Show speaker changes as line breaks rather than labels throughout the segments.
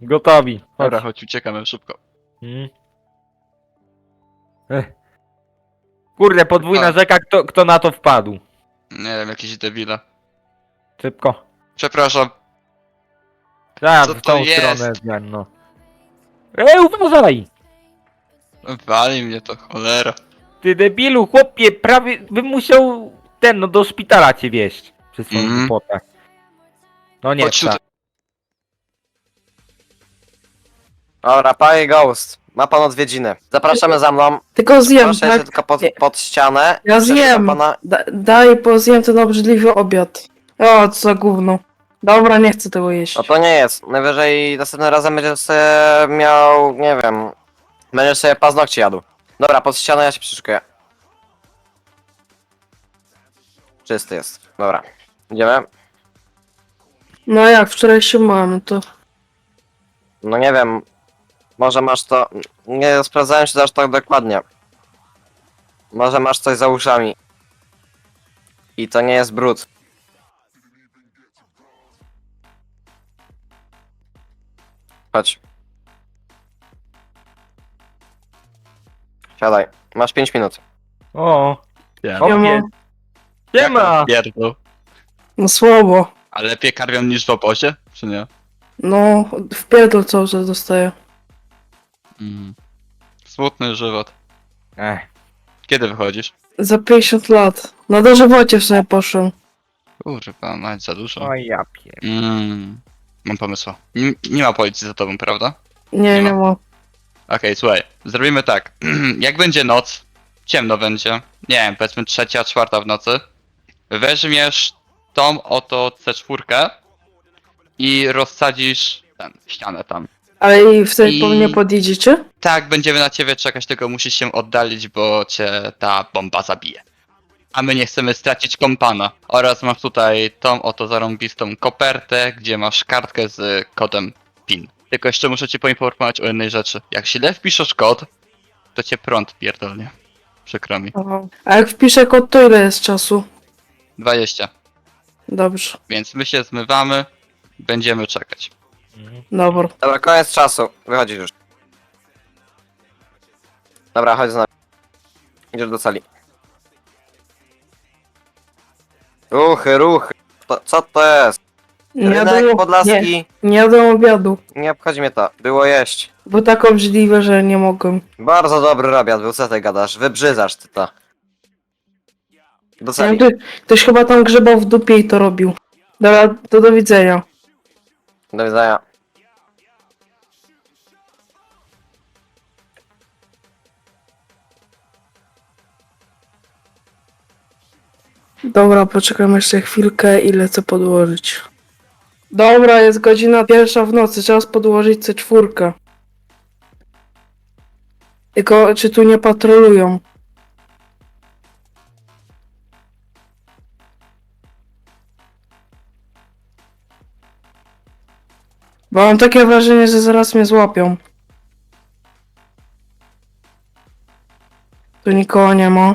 Gotowi. Chodź.
Dobra, chodź, uciekamy szybko.
Mm. Kurde, podwójna
A.
rzeka, kto na to wpadł?
Nie wiem, jakieś debile.
Szybko.
Przepraszam.
Tak,
Co
w
to
tą
jest?
stronę zmian, no. Uważaj!
Wali mnie to, cholera.
Ty debilu, chłopie, prawie bym musiał no do szpitala cię wieźć. Przez swoją głupotę. No nie,
Chodź tutaj.
Dobra, panie Ghost. Ma pan odwiedziny. Zapraszamy za mną.
Tylko zjem,
Proszę się
tak?
tylko pod ścianę.
Ja
Przepraszam
zjem.
Pana...
Daj, bo zjem ten obrzydliwy obiad. O, co za gówno. Dobra, nie chcę tego jeść.
No to nie jest. Najwyżej następnym razem będziesz sobie miał, nie wiem... Będziesz sobie paznokcie jadł. Dobra, pod ścianę ja się przyszykuję. Czysty jest. Dobra. Idziemy?
No jak, wczoraj się mam, to...
No nie wiem. Może masz to... Nie sprawdzałem się aż tak dokładnie. Może masz coś za uszami. I to nie jest brud. Chodź. Siadaj. Masz 5 minut.
O,
Ja
o,
mam-
siema!
pierdol.
No słabo.
A lepiej karmią niż w obozie, czy nie?
No, w pierdol cały czas dostaję.
Smutny żywot.
Ech,
Kiedy wychodzisz?
Za 50 lat. Na dożywocie w sumie poszłem.
Kurwa, mać za dużo.
oj ja pier...
Mam pomysł. Nie ma policji za tobą, prawda?
Nie,
Nie
nie ma.
Okej, słuchaj, zrobimy tak. Jak będzie noc, ciemno będzie, nie wiem, powiedzmy 3, 4 w nocy, weźmiesz tą oto C4 i rozsadzisz ścianę tam.
Ale i wtedy
I-
po mnie podjedziecie?
Tak, będziemy na ciebie czekać, tylko musisz się oddalić, bo cię ta bomba zabije. A my nie chcemy stracić kompana. Oraz masz tutaj tą oto zarąbistą kopertę, gdzie masz kartkę z kodem PIN. Tylko jeszcze muszę cię poinformować o jednej rzeczy. Jak źle wpiszesz kod, to cię prąd pierdolnie. Przykro mi.
Aha. A jak wpiszę kod, to ile jest czasu?
20.
Dobrze.
Więc my się zmywamy, będziemy czekać.
Dobra.
Dobra, koniec czasu. Wychodzisz już. Dobra, chodź z nami. Idziesz do sali. Ruchy, ruchy. Co to jest?
Nie
Rynek
jadłem,
Podlaski.
nie jadłem obiadu.
Nie obchodzi mnie to. Było jeść.
Bo tak obrzydliwe, że nie mogłem.
Bardzo dobry obiad był, co ty gadasz? Wybrzydzasz ty to. Do
Nie wiem,
sali.
ktoś chyba tam grzebał w dupie i to robił. Dobra, to do widzenia.
Do widzenia.
Dobra, poczekam jeszcze chwilkę i lecę podłożyć. Dobra, jest godzina 1 w nocy, czas podłożyć C4. Tylko, czy tu nie patrolują? Bo mam takie wrażenie, że zaraz mnie złapią. Tu nikogo nie ma.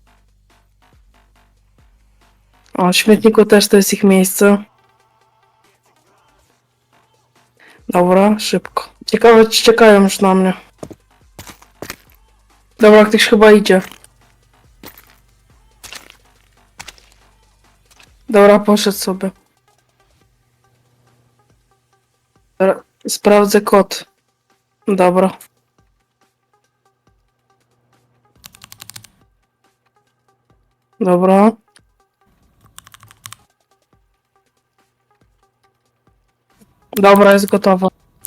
O, w śmietniku też to jest ich miejsce. Dobra, szybko. Ciekawe, czy czekają już na mnie. Dobra, ktoś chyba idzie. Dobra, poszedł sobie. Dobra, sprawdzę kod. Dobra. Dobra. Dobra, jest gotowa.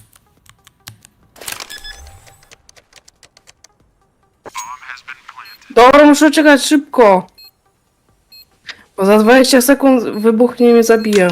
Dobra, muszę czekać szybko. Bo za 20 sekund wybuchnie i mnie zabije.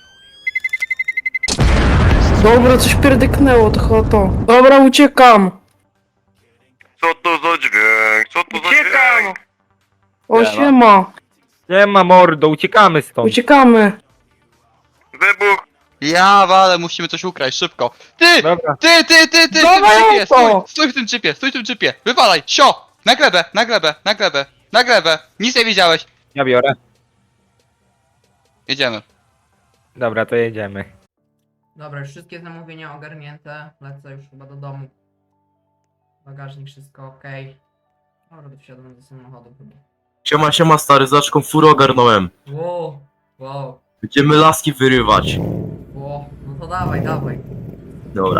Dobra, coś pierdyknęło, to chyba to. Dobra, uciekam.
Co to za dźwięk? Co to za dźwięk?
O,
Siema.
siema.
Nie ma mordo, uciekamy stąd.
Uciekamy.
Wybuch!
Ja wale, musimy coś ukraść, szybko. Ty!
Dobra.
Ty! W tym
Dawaj
jeepie!
auto!
Stój w tym jeepie, stój w tym jeepie! Wywalaj! Sio! Na glebę, na glebę, na glebę, na glebę! Nic nie widziałeś!
Ja biorę.
Jedziemy.
Dobra, to jedziemy.
Dobra, już wszystkie zamówienia ogarnięte. Lecę już chyba do domu. Bagażnik, wszystko ok. Dobra, to wsiadam do samochodu chyba.
Siema stary, zaczką furę ogarnąłem.
Wow, wow,
Będziemy laski wyrywać.
wow. No to dawaj, dawaj.
Dobra.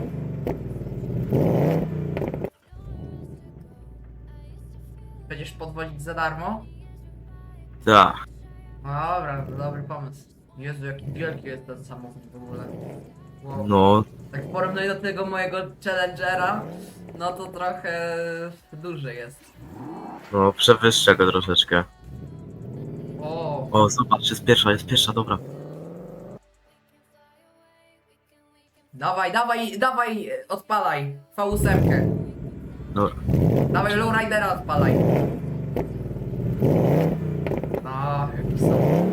Będziesz podwozić za darmo?
Tak.
Dobra, to dobry pomysł. Jezu, jaki wielki jest ten samochód w ogóle. Wow.
No,
Tak w porównaniu do tego mojego Challengera, no to trochę duży jest.
no przewyższę go troszeczkę.
O,
O, zobacz, jest pierwsza, dobra.
dawaj, dawaj, dawaj, odpalaj. V8.
Dobra.
Dawaj, lowridera odpalaj. No, jaki są.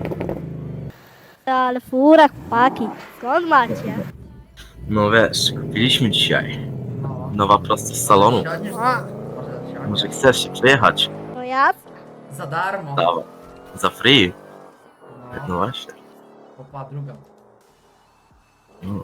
Ale fura, chłopaki, skąd macie?
No wiesz, kupiliśmy dzisiaj.
No.
Nowa prosto z salonu.
Siądziesz?
A.
Może siądziesz.
Może chcesz się przejechać?
No ja?
Za darmo.
Dawaj. Za free.
No,
No właśnie.
opa, druga.
No.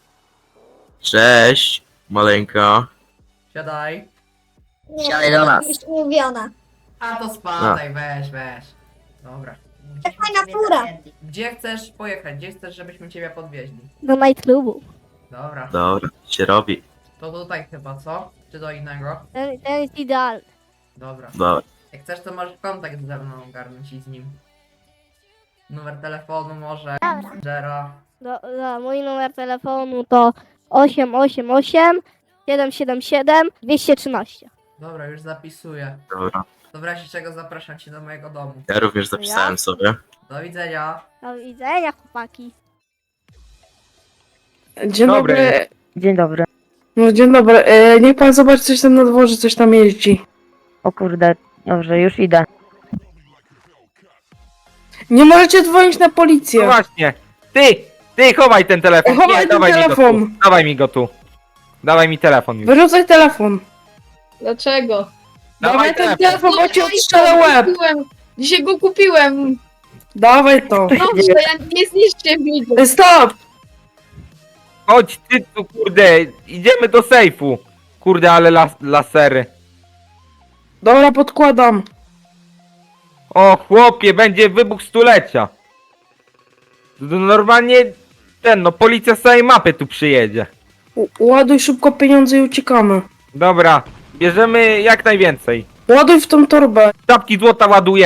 Cześć, maleńka.
Siadaj.
Siadaj do nas. Już mówiona.
A to spadaj, weź. Dobra.
Fajna fura.
Gdzie chcesz pojechać? Gdzie chcesz, żebyśmy ciebie podwieźli?
Do nightclubu.
Dobra.
Dobra, się robi.
To tutaj chyba, co? Czy do innego?
Ten jest idealny.
Dobra.
Dobra.
Jak chcesz, to możesz kontakt ze mną ogarnąć i z nim. Numer telefonu może.
Dobra.
Jera.
Mój numer telefonu to 888 777 213.
Dobra, już zapisuję.
Dobra.
To w razie czego zapraszam cię do mojego domu.
Ja również zapisałem sobie.
Do widzenia.
Do widzenia, chłopaki.
Dzień
Dobry.
dobry.
Dzień dobry.
No dzień dobry. Niech pan zobaczy coś tam na dworze, coś tam jeździ.
O kurde, dobrze, już idę.
Nie możecie dzwonić na
No
policję.
właśnie. Ty, chowaj ten telefon.
Chowaj
Nie,
ten
dawaj
telefon.
Mi go tu. Dawaj mi go tu. Dawaj mi telefon już.
Wyrzucaj telefon.
Dlaczego?
Dawaj ten telefon, bo ci odstrzelę łeb.
Dzisiaj go kupiłem.
Dawaj to.
Dobrze, ja nie zniszczę mi go.
Stop!
Chodź ty tu, kurde. Idziemy do sejfu. Kurde, ale lasery.
Dobra, podkładam.
O chłopie, będzie wybuch stulecia. Normalnie policja z całej mapy tu przyjedzie.
Ładuj szybko pieniądze i uciekamy.
Dobra, bierzemy jak najwięcej.
Ładuj w tą torbę.
Czapki złota ładuję.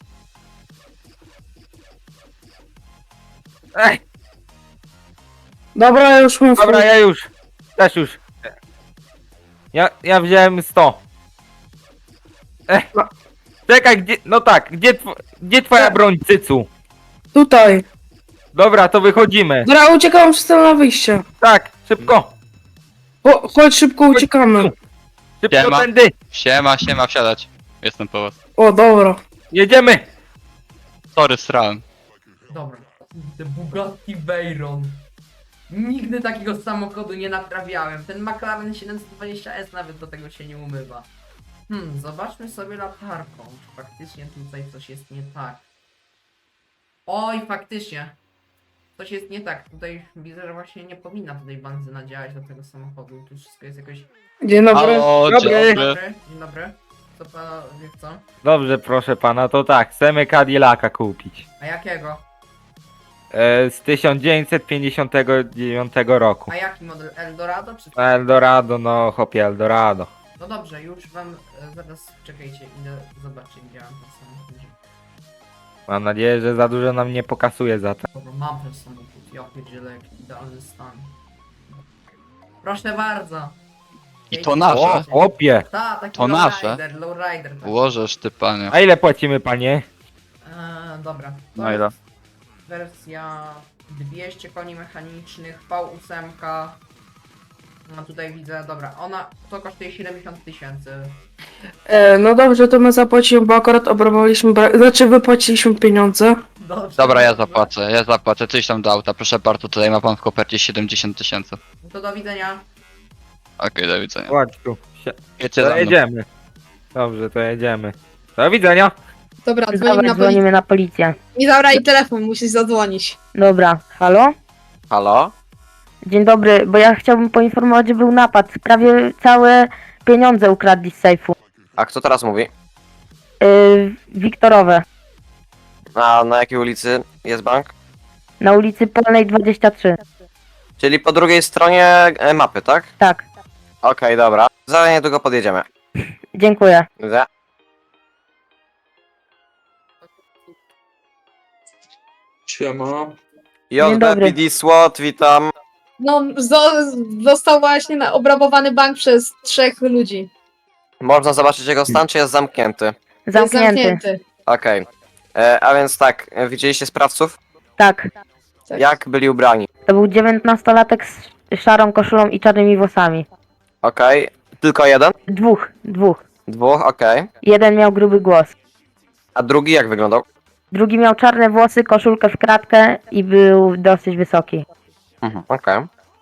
Ej,
Dobra, ja już mam
dobra, ja już. Też już. Ja wziąłem 100. Czekaj, gdzie, no tak, gdzie twoja broń, cycu?
Tutaj.
Dobra, to wychodzimy.
Dobra, uciekam przez na wyjście.
Tak, szybko.
Chodź szybko, uciekamy.
Szybko
Siema.
tędy.
Siema, wsiadać. Jestem po was.
O, dobra.
Jedziemy.
Sorry, srałem.
Dobra. Kurde, Bugatti Veyron. Nigdy takiego samochodu nie naprawiałem. Ten McLaren 720S nawet do tego się nie umywa. Zobaczmy sobie latarką. Czy faktycznie tutaj coś jest nie tak. Oj, faktycznie. Coś jest nie tak. Tutaj widzę, że właśnie nie powinna tutaj benzyna działać do tego samochodu. Tu wszystko jest jakoś...
Dzień dobry.
Halo,
Dobry.
dzień
Dzień
dobry.
dobry. Dzień dobry. Co panowie chcą?
Dobrze, proszę pana, to tak, chcemy Cadillaca kupić.
A jakiego?
Z 1959 roku.
A jaki model? Eldorado czy...
Eldorado, no chłopie, Eldorado.
No dobrze, już wam... zaraz czekajcie, idę zobaczyć gdzie mam ten samochód.
Mam nadzieję, że za dużo nam nie pokasuje za to.
Dobra, mam ten samochód. Ja pierdzielę, jaki idealny stan. Proszę bardzo.
I to nasze?
O, chłopie!
Taki
To nasze?
lowrider. Tak.
Łożesz ty, panie.
A ile płacimy, panie?
Dobra. To
No ile?
jest wersja 200 koni mechanicznych, V8. No tutaj widzę, dobra, ona to kosztuje 70 000.
No dobrze, to my zapłacimy, bo akurat obrabowaliśmy, znaczy wypłaciliśmy pieniądze.
Dobrze.
Dobra, ja zapłacę. Coś tam do auta. Proszę bardzo, tutaj ma pan w kopercie 70 000.
To do widzenia.
Okej, do widzenia.
Chodź tu.
Jedźcie za
To
mną.
jedziemy. Dobrze, to jedziemy. Do widzenia.
Dobra, dzwonimy
Dobra,
na policję.
dzwonimy na policję.
Nie zabraj telefon, musisz zadzwonić.
Dobra, halo?
Halo?
Dzień dobry, bo ja chciałbym poinformować, że był napad. Prawie całe pieniądze ukradli z sejfu.
A kto teraz mówi?
Wiktorowe.
A na jakiej ulicy jest bank?
Na ulicy Polnej 23.
Czyli po drugiej stronie mapy, tak?
Tak,
Okej, dobra. Za niedługo podjedziemy.
dziękuję.
Widzę.
Siema.
JB
dobry.
PD SWAT, witam.
No, został właśnie obrabowany bank przez 3 ludzi.
Można zobaczyć jego stan, czy jest zamknięty?
Jest
Zamknięty.
Okej. A więc tak, widzieliście sprawców?
Tak.
Tak.
Jak byli ubrani?
To był 19-latek z szarą koszulą i czarnymi włosami.
Okej. Tylko jeden?
Dwóch.
Dwóch, okej.
Jeden miał gruby głos.
A drugi jak wyglądał?
Drugi miał czarne włosy, koszulkę w kratkę i był dosyć wysoki.
Okej.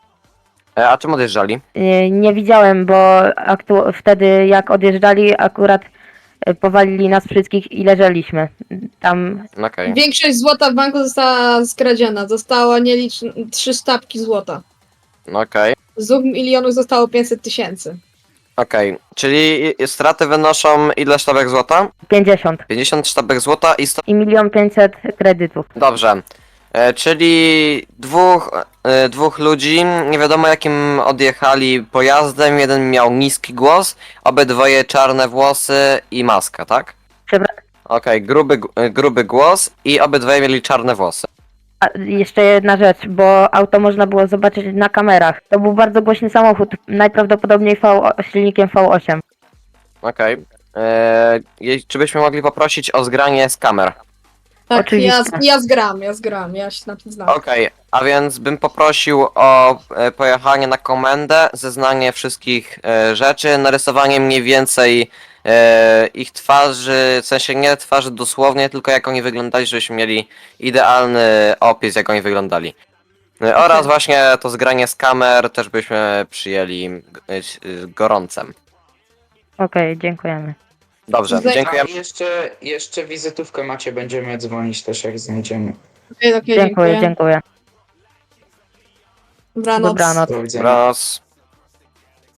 A czym odjeżdżali?
Nie widziałem, bo wtedy jak odjeżdżali, akurat powalili nas wszystkich i leżeliśmy. Tam
Okej.
Większość złota w banku została skradziona. Zostało 3 sztabki złota.
Okej.
Z 2 milionów zostało 500 tysięcy.
Okej. Czyli straty wynoszą ile sztabek złota?
50
50 sztabek złota i 100...
i 1 500 000 kredytów.
Dobrze. Czyli dwóch ludzi, nie wiadomo jakim odjechali pojazdem, jeden miał niski głos, obydwoje czarne włosy i maska, tak?
Przebra-
Okej, gruby głos i obydwoje mieli czarne włosy.
A jeszcze jedna rzecz, bo auto można było zobaczyć na kamerach. To był bardzo głośny samochód, najprawdopodobniej silnikiem V8.
Okej. Czy byśmy mogli poprosić o zgranie z kamer?
Tak,
Oczywiście.
ja zgram, ja się na tym znam.
Okej, a więc bym poprosił o pojechanie na komendę, zeznanie wszystkich rzeczy, narysowanie mniej więcej ich twarzy, w sensie nie twarzy dosłownie, tylko jak oni wyglądali, żebyśmy mieli idealny opis, jak oni wyglądali. Oraz właśnie to zgranie z kamer też byśmy przyjęli gorącem.
Okej, dziękujemy.
Dobrze,
Zaj-
dziękuję.
Jeszcze wizytówkę macie, będziemy dzwonić też jak znajdziemy.
Okej,
Dziękuję.
Dobranoc.
Dobranoc.
Do widzenia.
Dobranoc.